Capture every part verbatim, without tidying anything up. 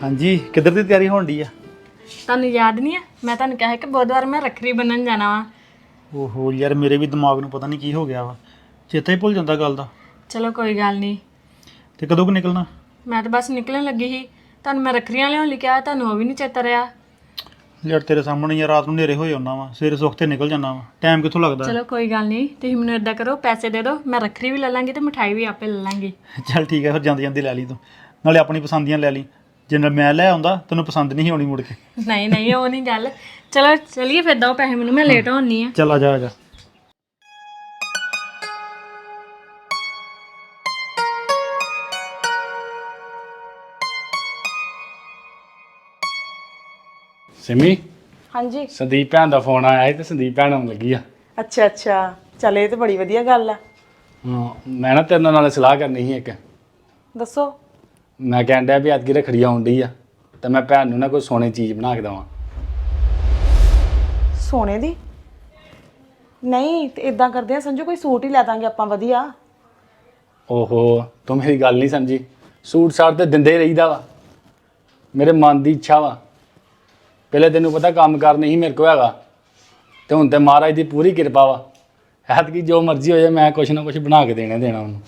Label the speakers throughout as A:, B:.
A: ਹਾਂਜੀ किधर की तैयारी होने डी आ
B: ਤੁਹਾਨੂੰ याद नहीं है मैं ਤੁਹਾਨੂੰ कहा कि बुधवार मैं रखड़ी बनन जाना वा
A: ओहो यार मेरे भी दिमाग ਨੂੰ ਪਤਾ ਨਹੀਂ ਕੀ ਹੋ ਗਿਆ ਵਾ ਚੇਤਾ ਹੀ ਭੁੱਲ ਜਾਂਦਾ ਗੱਲ ਦਾ
B: चलो कोई गल नहीं
A: ਤੇ ਕਦੋਂ ਕੁ ਨਿਕਲਣਾ
B: मैं तो बस निकलन लगी ही ਤੁਹਾਨੂੰ मैं रखड़ियां लियाउण ਲਈ ਕਿਹਾ ਤੁਹਾਨੂੰ ਉਹ ਵੀ ਨਹੀਂ ਚੇਤਾ ਰਿਹਾ
A: ਯਾਰ ਤੇਰੇ ਸਾਹਮਣੇ ਯਾਰ ਰਾਤ ਨੂੰ ਹਨੇਰੇ ਹੋਏ ਹੁੰਦਾ ਵਾ ਸਵੇਰੇ ਸੁੱਖ ਤੇ ਨਿਕਲ ਜਾਂਦਾ ਵਾ ਟਾਈਮ ਕਿੱਥੋਂ ਲੱਗਦਾ
B: चलो कोई गल नहीं ਤੁਸੀਂ ਮੈਨੂੰ ਇਦਾਂ ਕਰੋ ਪੈਸੇ ਦੇ ਦਿਓ ਮੈਂ ਰੱਖੜੀ ਵੀ ਲੈ ਲਾਂਗੀ ਤੇ ਮਿਠਾਈ ਵੀ ਆਪੇ ਲੈ ਲਾਂਗੀ
A: ਚੱਲ ਠੀਕ ਹੈ ਫਿਰ ਜਾਂਦੀ ਜਾਂਦੀ ਲੈ ਲਈ ਤੂੰ ਨਾਲੇ ਆਪਣੀ ਪਸੰਦ ਦੀਆਂ ਲੈ ਲਈ ਜੇ ਨਾਲ ਮੈਂ ਲੈ ਆਉਂਦਾ ਤੈਨੂੰ ਪਸੰਦ ਨਹੀਂ ਆਉਣੀ ਮੁੜ ਕੇ
B: ਨਹੀਂ ਨਹੀਂ ਉਹ ਨਹੀਂ ਗੱਲ ਚਲੋ ਚਲਿਏ ਫਿਰ ਦੋ ਪੈਸੇ ਮੈਨੂੰ ਮੈਂ ਲੇਟ ਹੋਣੀ ਆ
A: ਚੱਲ ਆ ਜਾ ਆ ਜਾ
C: ਸਿਮੀ
D: ਹਾਂਜੀ
C: ਸੰਦੀਪ ਭੈਣ ਦਾ ਫੋਨ ਆਇਆ ਸੀ ਤੇ ਸੰਦੀਪ ਭੈਣ ਆਉਣ ਲੱਗੀ ਆ
D: ਅੱਛਾ ਅੱਛਾ ਚੱਲ ਇਹ ਤੇ ਬੜੀ ਵਧੀਆ ਗੱਲ ਆ
C: ਹਾਂ ਮੈਂ ਨਾ ਤੇਰੇ ਨਾਲ ਸਲਾਹ ਕਰਨੀ ਸੀ ਇੱਕ
D: ਦੱਸੋ
C: ਮੈਂ ਕਹਿਣ ਡਿਆ ਵੀ ਅੱਜ ਰੱਖੜੀ ਆਉਣ ਡਈ ਆ ਤੇ ਮੈਂ ਭੈਣ ਨੂੰ ਨਾ ਕੋਈ ਸੋਨੇ ਦੀ ਚੀਜ਼ ਬਣਾ ਕੇ ਦੇਵਾਂ
D: ਸੋਨੇ ਦੀ ਨਹੀਂ ਤੇ ਇਦਾਂ ਕਰਦੇ ਆ ਸੰਜੂ ਕੋਈ ਸੂਟ ਹੀ ਲੈ ਦਾਂਗੇ ਆਪਾਂ ਵਧੀਆ
C: ਓਹੋ ਤੂੰ ਮੇਰੀ ਗੱਲ ਨਹੀਂ ਸਮਝੀ ਸੂਟ ਸਾਟ ਤੇ ਦਿੰਦੇ ਹੀ ਰਹੀਦਾ ਵਾ ਮੇਰੇ ਮਨ ਦੀ ਇੱਛਾ ਵਾ ਪਹਿਲੇ ਤੈਨੂੰ ਪਤਾ ਕੰਮ ਕਰ ਨਹੀਂ ਮੇਰੇ ਕੋਲ ਹੈਗਾ ਤੇ ਹੁਣ ਤੇ ਮਹਾਰਾਜ ਦੀ ਪੂਰੀ ਕਿਰਪਾ ਵਾ ਐਤਕੀ ਜੋ ਮਰਜ਼ੀ ਹੋ ਜਾਏ ਮੈਂ ਕੁਛ ਨਾ ਕੁਛ ਬਣਾ ਕੇ ਦੇਣਾ ਦੇਣਾ ਉਹਨੂੰ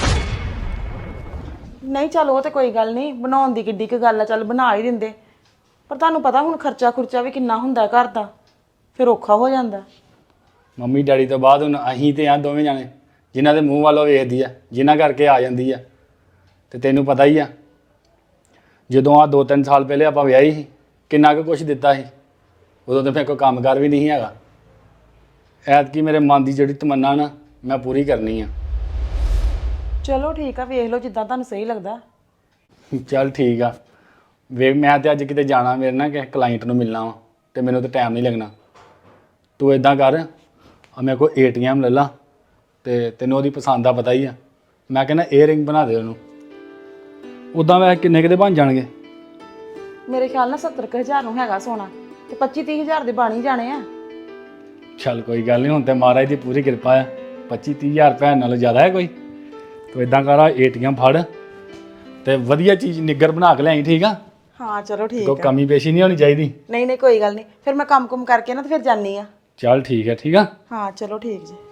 D: ਨਹੀਂ ਚੱਲ ਉਹ ਤੇ ਕੋਈ ਗੱਲ ਨਹੀਂ ਬਣਾਉਣ ਦੀ ਕਿੱਡੀ ਕੁ ਗੱਲ ਆ ਚੱਲ ਬਣਾ ਹੀ ਦਿੰਦੇ ਪਰ ਤੁਹਾਨੂੰ ਪਤਾ ਹੁਣ ਖਰਚਾ ਖੁਰਚਾ ਵੀ ਕਿੰਨਾ ਹੁੰਦਾ ਘਰ ਦਾ ਫਿਰ ਔਖਾ ਹੋ ਜਾਂਦਾ
C: ਮੰਮੀ ਡੈਡੀ ਤੋਂ ਬਾਅਦ ਹੁਣ ਅਸੀਂ ਤੇ ਆ ਦੋਵੇਂ ਜਾਣੇ ਜਿਨ੍ਹਾਂ ਦੇ ਮੂੰਹ ਵੱਲੋਂ ਵੇਖਦੀ ਆ ਜਿਨ੍ਹਾਂ ਕਰਕੇ ਆ ਜਾਂਦੀ ਆ ਤੇ ਤੈਨੂੰ ਪਤਾ ਹੀ ਆ ਜਦੋਂ ਆ ਦੋ ਤਿੰਨ ਸਾਲ ਪਹਿਲੇ ਆਪਾਂ ਵਿਆਹੀ ਸੀ ਕਿੰਨਾ ਕੁ ਕੁਛ ਦਿੱਤਾ ਸੀ ਉਦੋਂ ਤਾਂ ਮੇਰੇ ਕੋਈ ਕੰਮਕਾਰ ਵੀ ਨਹੀਂ ਹੈਗਾ ਐਤਕੀ ਮੇਰੇ ਮਨ ਦੀ ਜਿਹੜੀ ਤਮੰਨਾ ਨਾ ਮੈਂ ਪੂਰੀ ਕਰਨੀ ਆ
D: ਚਲੋ ਠੀਕ ਆ ਵੇਖ ਲਓ ਜਿੱਦਾਂ ਤੁਹਾਨੂੰ ਸਹੀ ਲੱਗਦਾ
C: ਚੱਲ ਠੀਕ ਆ ਵੇਖ ਮੈਂ ਤੇ ਅੱਜ ਕਿਤੇ ਜਾਣਾ ਮੇਰੇ ਨਾਲ ਕਿਸੇ ਕਲਾਇੰਟ ਨੂੰ ਮਿਲਣਾ ਵਾ ਤੇ ਮੈਨੂੰ ਤਾਂ ਟਾਈਮ ਨਹੀਂ ਲੱਗਣਾ ਤੂੰ ਇਦਾਂ ਕਰ ਆ ਮੇਰੇ ਕੋਲ ਏ ਟੀ ਐਮ ਲੈ ਲਾ ਤੇ ਤੈਨੂੰ ਉਹਦੀ ਪਸੰਦ ਦਾ ਪਤਾ ਹੀ ਆ ਮੈਂ ਕਹਿੰਦਾ ਏਅਰਿੰਗ ਬਣਾ ਦੇ ਉਹਨੂੰ ਉਦਾਂ ਵੈਸੇ ਕਿੰਨੇ ਕਿਤੇ ਬਣ ਜਾਣਗੇ
D: ਮੇਰੇ ਖਿਆਲ ਨਾਲ ਸੱਤਰ ਕੁ ਹਜ਼ਾਰ ਨੂੰ ਹੈਗਾ ਸੋਨਾ ਤੇ ਪੱਚੀ ਤੀਹ ਹਜ਼ਾਰ ਦੇ ਬਣ ਹੀ ਜਾਣੇ ਆ
C: ਚੱਲ ਕੋਈ ਗੱਲ ਨਹੀਂ ਹੁਣ ਤੇ ਮਹਾਰਾਜ ਦੀ ਪੂਰੀ ਕਿਰਪਾ ਆ ਪੱਚੀ ਤੀਹ ਹਜ਼ਾਰ ਰੁਪਏ ਨਾਲੋਂ ਜ਼ਿਆਦਾ ਹੈ ਕੋਈ ਤੂੰ ਇਦਾਂ ਕਰ ਆ ਏ ਟੀ ਐਮ ਫੜ ਤੇ ਵਧੀਆ ਚੀਜ਼ ਨਿੱਗਰ ਬਣਾ ਕੇ ਲਿਆਈ ਠੀਕ ਆ
D: ਹਾਂ ਚਲੋ ਠੀਕ
C: ਕੋਈ
D: ਆ
C: ਕਮੀ ਪੇਸ਼ੀ ਨਹੀਂ ਹੋਣੀ ਚਾਹੀਦੀ
D: ਨਹੀਂ ਨਹੀਂ ਕੋਈ ਗੱਲ ਨਹੀਂ ਫਿਰ ਮੈਂ ਕੰਮ ਕੁਮ ਕਰਕੇ ਨਾ ਤੇ ਫਿਰ ਜਾਨੀ ਆ
C: ਚੱਲ ਠੀਕ ਹੈ ਠੀਕ ਆ
D: ਹਾਂ ਚਲੋ ਠੀਕ ਜੀ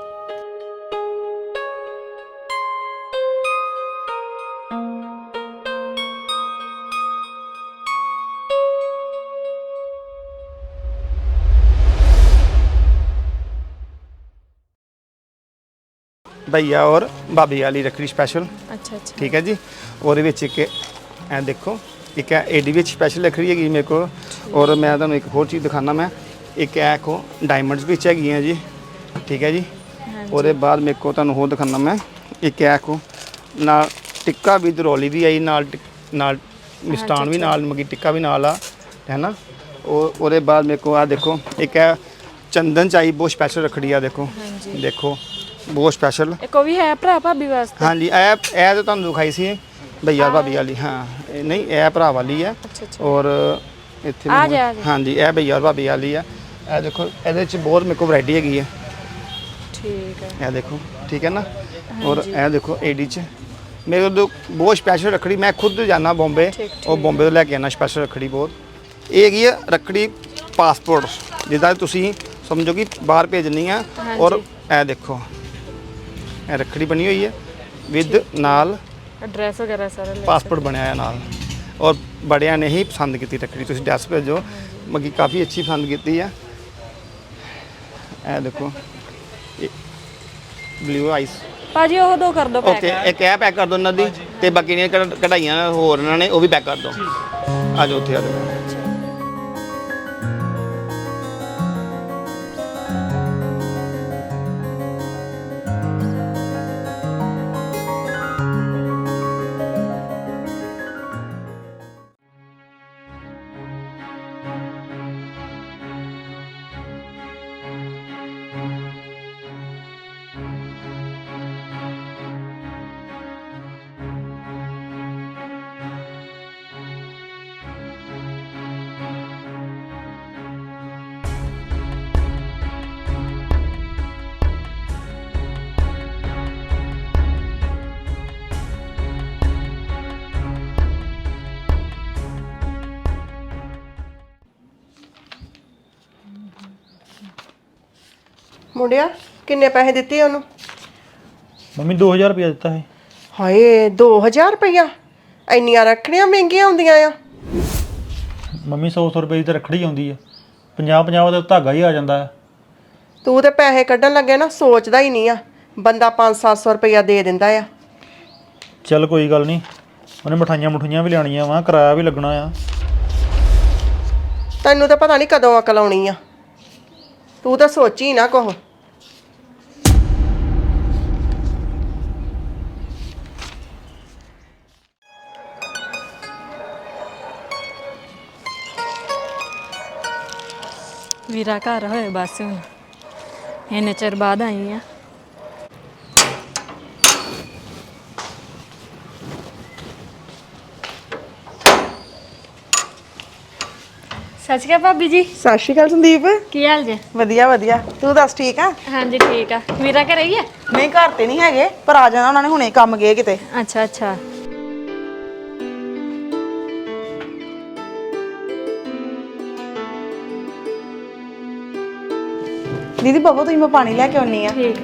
E: भैया और भाभी वाली रखड़ी स्पैशल
B: ਅੱਛਾ ਅੱਛਾ
E: ठीक है जी और एक ए देखो एक ए डी स्पैशल रखड़ी हैगी मेरे को और मैं तुहानू एक होर चीज़ दिखाना मैं एक है को डायमंड्स भी हैगी हैं जी ठीक है जी और बाद मेरे को तुहानू होर दिखाना मैं एक है को ना टिक्का भी दरौली भी आई नाल नाल मिष्टान भी नाल मगी टिक्का भी नाल आ है ना और ਉਹਦੇ बाद मेरे को आ देखो एक है चंदन चाहिए बहुत स्पैशल रखड़ी आ देखो देखो बहुत स्पैशल
B: ਇੱਕ ਉਹ ਵੀ ਹੈ ਭਰਾ ਭਾਬੀ ਵਾਸਤੇ
E: हाँ जी ए ए तो तुहानू दिखाई सी भैया भाभी वाली हाँ ए नहीं ए भरा वाली है और इत्थे
B: आ जा, आ जा।
E: हाँ जी ए भैया और भाभी वाली है ए देखो ਇਹਦੇ ਚ बहुत मेरे को वैरायटी हैगी है
B: ਠੀਕ ਹੈ
E: ਇਹ ਦੇਖੋ ਠੀਕ ਹੈ ਨਾ और ਇਹ ਦੇਖੋ ਏਡੀ ਚ ਮੇਰੇ ਕੋਲ ਬਹੁਤ ਸਪੈਸ਼ਲ ਰੱਖੜੀ ਮੈਂ ਖੁਦ ਜਾਣਾ ਬੰਬੇ ਉਹ ਬੰਬੇ ਤੋਂ ਲੈ ਕੇ ਆਣਾ ਸਪੈਸ਼ਲ ਰੱਖੜੀ ਬਹੁਤ ਇਹ ਹੈਗੀ ਹੈ ਰੱਖੜੀ ਪਾਸਪੋਰਟ ਜਿੱਦਾਂ ਤੁਸੀਂ ਸਮਝੋ ਕਿ ਬਾਹਰ ਭੇਜਣੀ ਆ ਔਰ ਇਹ ਦੇਖੋ ਇਹ ਰੱਖੜੀ ਬਣੀ ਹੋਈ ਹੈ ਵਿਦ ਨਾਲ
B: ਐਡਰੈਸ ਵਗੈਰਾ ਸਾਰਾ ਲੈ
E: ਪਾਸਪੋਰਟ ਬਣਿਆ ਹੈ ਨਾਲ ਔਰ ਬੜਿਆਂ ਨੇ ਹੀ ਪਸੰਦ ਕੀਤੀ ਰੱਖੜੀ ਤੁਸੀਂ ਡਰੈਸ ਭੇਜੋ ਮਗੀ ਕਾਫੀ ਅੱਛੀ ਪਸੰਦ ਕੀਤੀ ਹੈ ਇਹ ਦੇਖੋ ਬਲੂ ਆਈਸ
B: ਭਾਜੀ ਉਹ ਦੋ ਕਰ ਦੋ ਪੈਕ
E: ਓਕੇ ਇੱਕ ਇਹ ਪੈਕ ਕਰ ਦਿਓ ਇਹਨਾਂ ਦੀ ਤੇ ਬਾਕੀ ਦੀਆਂ ਕਢ- ਕਢਾਈਆਂ ਹੋਰ ਇਹਨਾਂ ਨੇ ਉਹ ਵੀ ਪੈਕ ਕਰ ਦਿਓ ਆ ਜਾਓ ਉੱਥੇ ਆ ਜਾਓ
F: ਮੁੰਡਿਆ ਕਿੰਨੇ ਪੈਸੇ ਦਿੱਤੇ ਉਹਨੂੰ?
A: ਮੰਮੀ ਦੋ ਹਜ਼ਾਰ ਰੁਪਇਆ ਦਿੱਤਾ ਹੈ।
F: ਹਾਏ ਦੋ ਹਜ਼ਾਰ ਰੁਪਇਆ? ਇੰਨੀਆਂ ਰੱਖੜੀਆਂ ਮਹਿੰਗੀਆਂ ਹੁੰਦੀਆਂ ਆ।
A: ਮੰਮੀ ਸੌ ਸੌ ਰੁਪਏ ਦੀ ਤਾਂ ਰੱਖੜੀ ਆਉਂਦੀ ਆ, ਪੰਜਾਹ ਪੰਜਾਹ ਦਾ ਧਾਗਾ ਹੀ ਆ ਜਾਂਦਾ ਹੈ।
F: ਤੂੰ ਤੇ ਪੈਸੇ ਕੱਢਣ ਲੱਗੇ ਨਾ ਸੋਚਦਾ ਹੀ ਨਹੀਂ ਆ, ਬੰਦਾ ਪੰਜ ਸੱਤ ਸੌ ਰੁਪਇਆ ਦੇ ਦਿੰਦਾ ਆ।
A: ਚੱਲ ਕੋਈ ਗੱਲ ਨਹੀਂ, ਉਹਨੇ ਮਠਾਈਆਂ ਮਠੂਈਆਂ ਵੀ ਲੈਣੀਆਂ ਵਾ, ਕਿਰਾਇਆ ਵੀ ਲੱਗਣਾ ਆ।
F: ਤੈਨੂੰ ਤਾਂ ਪਤਾ ਨਹੀਂ ਕਦੋਂ ਅਕਲ ਆਉਣੀ ਆ, ਤੂੰ ਤਾਂ ਸੋਚੀ ਨਾ ਕੁਛ।
B: ਵੀਰਾ ਘਰ ਹੋਏ ਬਸ ਹੁਣ ਇੰਨੇ ਚਿਰ ਬਾਅਦ ਆਈ ਆ। ਸਤਿ ਸ਼੍ਰੀ ਅਕਾਲ ਭਾਬੀ ਜੀ।
D: ਸਤਿ ਸ਼੍ਰੀ ਅਕਾਲ ਸੰਦੀਪ।
B: ਕੀ ਹਾਲ ਜੇ?
D: ਵਧੀਆ ਵਧੀਆ, ਤੂੰ ਦੱਸ ਠੀਕ ਆ?
B: ਹਾਂਜੀ ਠੀਕ ਆ। ਵੀਰਾ ਘਰੇ ਹੀ ਆ?
D: ਨਹੀਂ ਘਰ ਤੇ ਨਹੀਂ ਹੈਗੇ, ਪਰ ਆ ਜਾਣਾ ਉਹਨਾਂ ਨੇ, ਹੁਣੇ ਕੰਮ ਗਏ ਕਿਤੇ।
B: ਅੱਛਾ ਅੱਛਾ।
D: ਦੀਦੀ ਬਾਬਾ ਤੁਸੀਂ ਮੈਂ ਪਾਣੀ ਲੈ ਕੇ ਆਉਣੀ ਆ।
B: ਠੀਕ।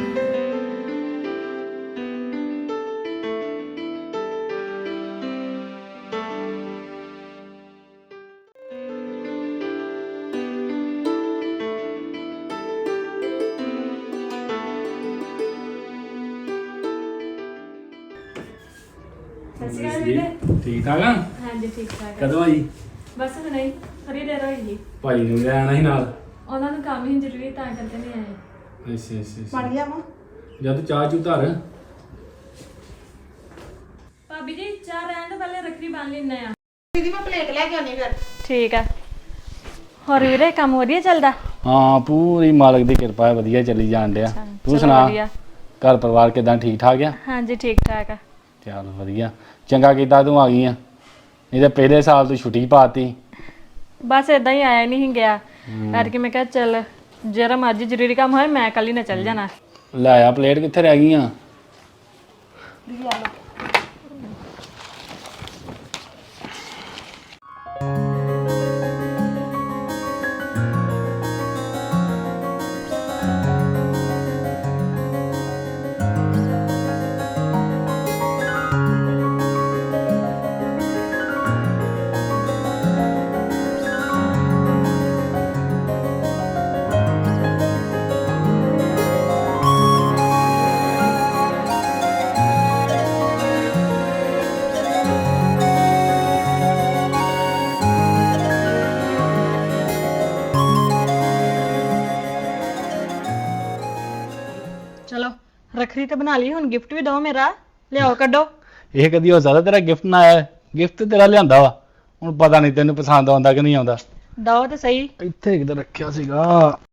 C: ਠੀਕ ਠਾਕ ਆ?
B: ਹਾਂਜੀ ਠੀਕ ਠਾਕ।
C: ਕਦੋਂ ਆਈ?
B: ਬਸ ਨਹੀਂ ਥੋੜੀ ਦੇਰ ਹੋਈ ਜੀ।
C: ਭਾਈ ਨੂੰ ਲੈ ਆਣਾ ਸੀ ਨਾਲ।
B: ਉਹਨਾਂ ਨੂੰ ਕੰਮ ਹੀ ਜ਼ਰੂਰੀ ਤਾਂ ਕਰਕੇ ਨਹੀਂ ਆਏ।
C: ਅੱਛਾ ਅੱਛਾ
D: ਪਾਣੀ ਲਿਆਵਾਂ?
C: ਜਦ ਚਾਹ ਚੂ ਧਰ।
B: ਭਾਬੀ ਜੀ ਚਾਹ ਰਹਿਣ ਤੋਂ ਪਹਿਲੇ ਰੱਖੜੀ ਬੰਨ ਲੈਣਾ ਆ।
D: ਦੀਦੀ ਮੈਂ ਪਲੇਟ ਲੈ ਕੇ ਆਉਣੀ ਫਿਰ।
B: ਠੀਕ ਆ। ਹੋਰ ਵੀਰੇ ਕੰਮ ਵਧੀਆ ਚੱਲਦਾ?
C: ਹਾਂ ਪੂਰੀ ਮਾਲਕ ਦੀ ਕਿਰਪਾ ਹੈ, ਵਧੀਆ ਚੱਲੀ ਜਾਣ ਡਿਆ। ਤੂੰ
B: ਚਲੋ
C: ਸੁਣਾ,
B: ਵਧੀਆ।
C: ਘਰ ਪਰਿਵਾਰ ਕਿਦਾਂ ਠੀਕ ਠਾਕ ਆ?
B: ਹਾਂਜੀ ਠੀਕ ਠਾਕ ਆ।
C: ਚੱਲ ਵਧੀਆ, ਚੰਗਾ ਕੀਤਾ ਤੂੰ ਆ ਗਈ ਆ, ਨਹੀਂ ਤਾਂ ਪਹਿਲੇ ਸਾਲ ਤੂੰ ਛੁੱਟੀ ਪਾਤੀ।
B: ਬਸ ਇਦਾਂ ਹੀ ਆਇਆ ਨਹੀਂ ਗਿਆ ਕਰਕੇ ਮੈਂ ਕਿਹਾ ਚੱਲ ਜਰਾ ਮਰਜ਼ੀ ਜ਼ਰੂਰੀ ਕੰਮ ਹੋਏ ਮੈਂ ਕੱਲ ਹੀ ਨਾ ਚੱਲ ਜਾਣਾ।
C: ਲੈ ਆ ਪਲੇਟ ਕਿੱਥੇ ਰਹਿ ਗਈਆਂ?
B: ਚਲੋ ਰੱਖੜੀ ਤੇ ਬਣਾ ਲਈ, ਹੁਣ ਗਿਫਟ ਵੀ ਦਿਓ ਮੇਰਾ, ਲਿਆਓ ਕੱਢੋ।
C: ਇਹ ਕਦੀ ਹੋ ਸਕਦਾ ਤੇਰਾ ਗਿਫਟ ਨਾ ਆਇਆ? ਗਿਫਟ ਤੇਰਾ ਲਿਆਂਦਾ ਵਾ, ਹੁਣ ਪਤਾ ਨਹੀਂ ਤੈਨੂੰ ਪਸੰਦ ਆਉਂਦਾ ਕਿ ਨਹੀਂ ਆਉਂਦਾ।
B: ਦਿਓ ਤੇ ਸਹੀ।
C: ਇੱਥੇ ਕਿਤੇ ਰੱਖਿਆ ਸੀਗਾ,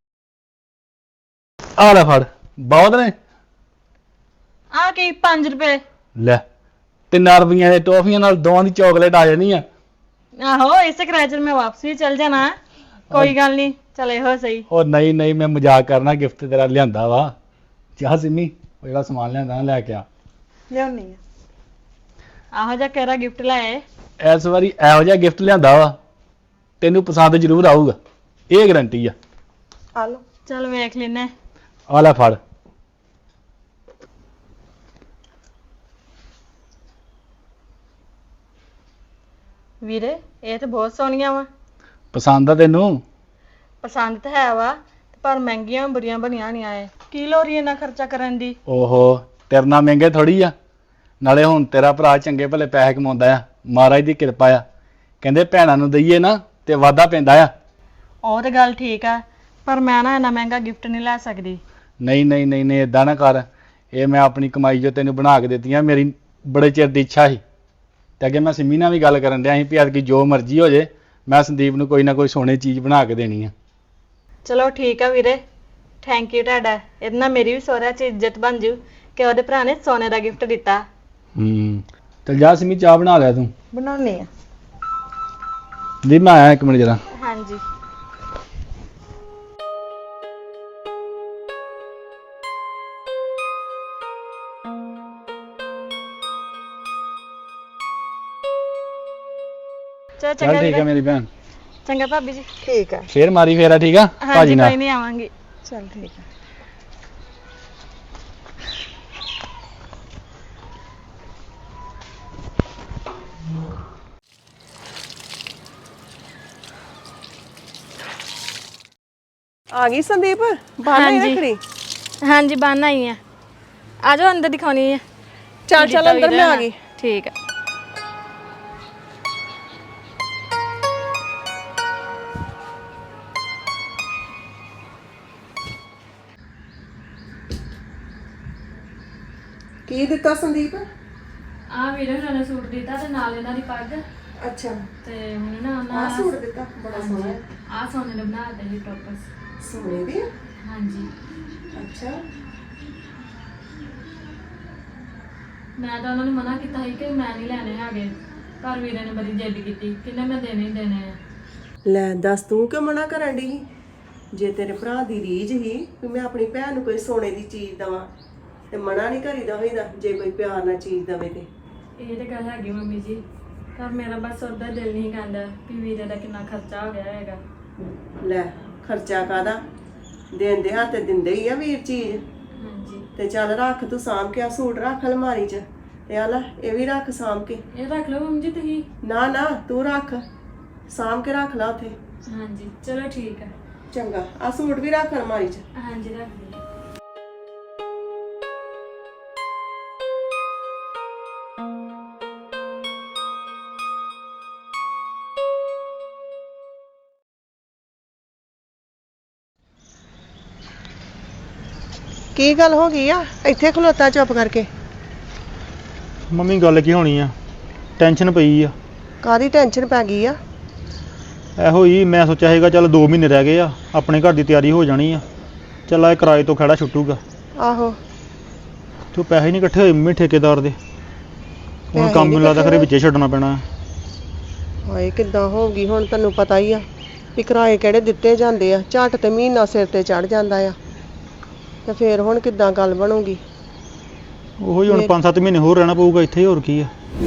C: ਆ ਲੈ ਫੜ। ਬਹੁਤ ਨੇ
B: ਆ ਕੀ ਪੰਜ ਰੁਪਏ?
C: ਲੈ ਤਿੰਨ ਰੁਪਈਆਂ ਦੇ ਟੌਫੀਆਂ ਨਾਲ ਦੋਵਾਂ ਦੀ ਚਾਕਲੇਟ ਆ ਜਾਣੀ ਆ।
B: ਆਹੋ ਇਸੇ ਕਿਰਾਏ ਚ ਮੈਂ ਵਾਪਸ ਵੀ ਚੱਲ ਜਾਣਾ, ਕੋਈ ਗੱਲ ਨਹੀਂ, ਚਲ ਇਹੋ ਸਹੀ।
C: ਉਹ ਨਹੀਂ ਨਹੀਂ ਮੈਂ ਮਜ਼ਾਕ ਕਰਨਾ, ਗਿਫਟ ਤੇਰਾ ਲਿਆਂਦਾ ਵਾ। ਜਾ ਸਿੰਮੀ ਉਹ ਜਿਹੜਾ ਸਮਾਨ ਲਿਆਂਦਾ ਨਾ ਲੈ ਕੇ ਆ।
D: ਲਿਆਉਣੀ ਆ।
B: ਆਹੋ ਜਿਹਾ ਕਿਹੜਾ ਗਿਫਟ ਲਾਏ?
C: ਇਸ ਵਾਰੀ ਇਹੋ ਜਿਹਾ ਗਿਫਟ ਲਿਆਂਦਾ ਵਾ, ਤੈਨੂੰ ਪਸੰਦ ਜ਼ਰੂਰ ਆਊਗਾ, ਇਹ ਗਾਰੰਟੀ ਆ।
D: ਆ ਲਓ।
B: ਚਲ ਵੇਖ ਲੈਨੇ।
C: ਆ ਲੈ ਫੜ।
B: ਵੀਰੇ ਇਹ ਤਾਂ ਬਹੁਤ ਸੋਹਣੀਆਂ ਵਾ।
C: ਪਸੰਦ ਆ ਤੈਨੂੰ?
B: ਪਸੰਦ ਤਾਂ ਹੈ ਵਾ, ਪਰ ਮਹਿੰਗੀਆਂ ਬੜੀਆਂ ਬਣੀਆਂ ਨਹੀਂ ਆਏ। ਕੀ ਲੋੜ ਈ ਇੰਨਾ ਖਰਚਾ ਕਰਨ ਦੀ?
C: ਓਹੋ ਤੇਰੇ ਨਾਲ ਮਹਿੰਗੇ ਥੋੜੀ ਆ, ਨਾਲੇ ਹੁਣ ਤੇਰਾ ਭਰਾ ਚੰਗੇ ਭਲੇ ਪੈਸੇ ਕਮਾਉਂਦਾ ਆ, ਮਹਾਰਾਜ ਦੀ ਕਿਰਪਾ ਆ। ਕਹਿੰਦੇ ਭੈਣਾਂ ਨੂੰ ਦਈਏ ਨਾ ਤੇ ਵਾਧਾ ਪੈਂਦਾ ਆ।
B: ਉਹ ਤੇ ਗੱਲ ਠੀਕ ਆ, ਪਰ ਮੈਂ ਨਾ ਇੰਨਾ ਮਹਿੰਗਾ ਗਿਫਟ ਨਹੀਂ ਲੈ ਸਕਦੀ।
C: ਨਹੀਂ ਨਹੀਂ ਨਹੀਂ ਨਹੀਂ ਇਦਾਂ ਨਾ ਕਰ, ਇਹ ਮੈਂ ਆਪਣੀ ਕਮਾਈ ਜੋ ਤੈਨੂੰ ਬਣਾ ਕੇ ਦਿੱਤੀਆਂ, ਮੇਰੀ ਬੜੇ ਚਿਰ ਦੀ ਇੱਛਾ ਸੀ। ਤੇ ਅੱਗੇ ਮੈਂ ਸਿੰਮੀ ਨਾਲ ਵੀ ਗੱਲ ਕਰਨ ਡਿਆ ਸੀ ਵੀ ਐਤਕੀ ਜੋ ਮਰਜ਼ੀ ਹੋ ਜੇ ਮੈਂ ਸੰਦੀਪ ਨੂੰ ਕੋਈ ਨਾ ਕੋਈ ਸੋਨੇ ਚੀਜ਼ ਬਣਾ ਕੇ ਦੇਣੀ ਆ।
B: ਚਲੋ ਠੀਕ ਆ ਵੀਰੇ, ਥੈਂਕ ਯੂ ਤੁਹਾਡਾ। ਇਹਦੇ ਨਾਲ ਮੇਰੀ ਵੀ ਸਹੁਰਿਆਂ 'ਚ ਇੱਜ਼ਤ ਬਣ ਜੂ ਕਿ ਉਹਦੇ ਭਰਾ ਨੇ ਸੋਨੇ ਦਾ ਗਿਫਟ ਦਿੱਤਾ।
C: ਹੂੰ ਚੱਲ ਜਾ ਸਿੰਮੀ ਚਾਹ ਬਣਾ ਲਿਆ ਤੂੰ।
D: ਬਣਾਉਣੀ ਆ।
C: ਦੀ ਮੈਂ ਆਇਆ ਇੱਕ ਮਿੰਟ ਜਰਾ।
B: ਹਾਂਜੀ। ਚਲੋ
C: ਚੱਲ
B: ਚੰਗਾ
C: ਠੀਕ ਆ
B: ਵੀਰੇ।
C: ਮੇਰੀ ਭੈਣ,
B: ਚੰਗਾ ਭਾਬੀ ਜੀ।
D: ਠੀਕ ਆ।
C: ਫੇਰ ਮਾਰੀ ਫੇਰਾ। ਠੀਕ ਆ
B: ਹਾਂਜੀ
C: ਭਾਜੀ ਨਾਲ।
B: ਕੋਈ ਨਹੀਂ ਆਵਾਂਗੀ।
D: ਚਲ ਠੀਕ ਆ।
F: ਆ ਗਈ ਸੰਦੀਪ ਬਾਹਰ ਨਹੀਂ ਰੱਖੜੀ
B: ਹਾਂਜੀ ਬੰਨ ਆਈ ਆ ਆ ਜਾਓ ਅੰਦਰ ਦਿਖਾਉਣੀ ਆ
F: ਚੱਲ ਚੱਲ ਅੰਦਰ ਮੈਂ ਆ ਗਈ
B: ਠੀਕ ਆ
F: ਕੀ ਦਿੱਤਾ ਸੰਦੀਪ
B: ਆ ਵੀਰੇ ਉਹਨਾਂ ਨੇ ਸੂਟ ਦਿੱਤਾ ਤੇ ਨਾਲ ਇਹਨਾਂ ਦੀ ਪੱਗ
F: ਅੱਛਾ
B: ਤੇ ਹੁਣ ਨਾ ਉਹਨਾਂ
F: ਆ ਸੂਟ ਦਿੱਤਾ ਬੜਾ ਸੋਹਣਾ ਹੈ
B: ਆ ਸੋਨੇ ਨੇ ਬਣਾ ਦਿੱਤੇ ਜੀ ਟੋਪਸ
F: ਸੋਨੇ ਦੀ
B: ਹਾਂਜੀ
F: ਅੱਛਾ
B: ਮੈਂ ਤਾਂ ਉਹਨਾਂ ਨੂੰ ਮਨਾ ਕੀਤਾ ਸੀ ਕਿ ਮੈਂ ਨਹੀਂ ਲੈਣੇ ਹੈਗੇ ਪਰ ਵੀਰੇ ਨੇ ਬੜੀ ਜਿੱਦ ਕੀਤੀ ਕਿੰਨੇ ਮੈਂ ਦੇਣੇ ਹੀ ਦੇਣੇ ਆ
F: ਲੈ ਦੱਸ ਤੂੰ ਕਿਉਂ ਮਨਾ ਕਰਨ ਦੀ ਜੇ ਤੇਰੇ ਭਰਾ ਦੀ ਰੀਝ ਹੀ ਵੀ ਮੈਂ ਆਪਣੀ ਭੈਣ ਨੂੰ ਕੋਈ ਸੋਨੇ ਦੀ ਚੀਜ਼ ਦਵਾਂ ਤੇ ਮਨਾ ਨਹੀਂ ਕਰੀਦਾ ਹੋਈਦਾ ਜੇ ਕੋਈ ਪਿਆਰ ਨਾਲ ਚੀਜ਼ ਦਵੇ ਤੇ
B: ਇਹ ਤੇ ਗੱਲ ਹੈਗੀ ਮੰਮੀ ਜੀ ਪਰ ਮੇਰਾ ਬਸ ਉਹਦਾ ਦਿਲ ਨਹੀਂ ਕਹਿੰਦਾ ਕਿ ਵੀਰੇ ਦਾ ਕਿੰਨਾ ਖਰਚਾ ਹੋ ਗਿਆ ਹੈਗਾ
F: ਲੈ ਖਰਚਾ ਕਾਦਾ ਦੇਂਦੇ ਹੱਥ ਦਿੰਦੇ ਹੀ ਆ ਵੀਰ ਚੀਜ਼
B: ਹਾਂਜੀ
F: ਤੇ ਚੱਲ ਰੱਖ ਤੂੰ ਸਾਂਭ ਕੇ ਆ ਸੂਟ ਰੱਖ ਅਲਮਾਰੀ 'ਚ ਤੇ ਆ ਲੈ ਇਹ ਵੀ ਰੱਖ ਸਾਂਭ ਕੇ
B: ਇਹ ਰੱਖ ਲਓ ਮੰਮੀ ਜੀ ਤੁਸੀਂ
F: ਨਾ ਨਾ ਤੂੰ ਰੱਖ ਸਾਂਭ ਕੇ ਰੱਖ ਲਾ ਉੱਥੇ
B: ਹਾਂਜੀ ਚਲੋ ਠੀਕ ਹੈ
F: ਚੰਗਾ ਆ ਸੂਟ ਵੀ ਰੱਖ ਅਲਮਾਰੀ 'ਚ
B: ਹਾਂਜੀ ਰੱਖ ਦਿਓ
F: ਕੀ ਗੱਲ ਹੋ ਗਈ ਆ ਇੱਥੇ ਖਲੋਤਾ ਚੁੱਪ ਕਰਕੇ
A: ਮੰਮੀ ਗੱਲ ਕੀ ਹੋਣੀ ਆ ਟੈਨਸ਼ਨ ਪਈ ਆ
F: ਕਾਦੀ ਟੈਨਸ਼ਨ ਪੈ ਗਈ ਆ
A: ਇਹੋ ਹੀ ਮੈਂ ਸੋਚਿਆ ਸੀਗਾ ਚੱਲ ਦੋ ਮਹੀਨੇ ਰਹਿ ਗਏ ਆ ਆਪਣੇ ਘਰ ਦੀ ਤਿਆਰੀ ਹੋ ਜਾਣੀ ਆ ਚੱਲ ਆ ਕਿਰਾਏ ਤੋਂ ਖੜਾ ਛੁੱਟੂਗਾ
F: ਆਹੋ
A: ਤੇ ਉਹ ਪੈਸੇ ਨਹੀਂ ਇਕੱਠੇ ਹੋਏ ਮੰਮੀ ਠੇਕੇਦਾਰ ਦੇ ਹੁਣ
F: ਪੈਸੇ
A: ਕੰਮ
F: ਨੀ
A: ਮੈਨੂੰ ਲੱਗਦਾ
F: ਇਕੱਠੇ
A: ਖਰੇ ਵਿੱਚੇ ਛੱਡਣਾ ਪੈਣਾ
F: ਹਾਏ ਕਿੱਦਾਂ ਹੋਊਗੀ ਹੁਣ ਤੈਨੂੰ ਪਤਾ ਹੀ ਆ ਵੀ ਕਿਰਾਏ ਕਿਹੜੇ ਦਿੱਤੇ ਜਾਂਦੇ ਆ ਝੱਟ ਤੇ ਮਹੀਨਾ ਸਿਰ ਤੇ ਚੜ ਜਾਂਦਾ ਆ ਤੇ ਫੇਰ ਹੁਣ ਕਿੱਦਾਂ ਗੱਲ ਬਣੂਗੀ
A: ਉਹੀ ਹੁਣ
F: ਫਿਰ-
A: ਪੰਜ ਸੱਤ ਮਹੀਨੇ ਹੋਰ ਰਹਿਣਾ ਪਊਗਾ ਇੱਥੇ ਹੋਰ ਕੀ ਆ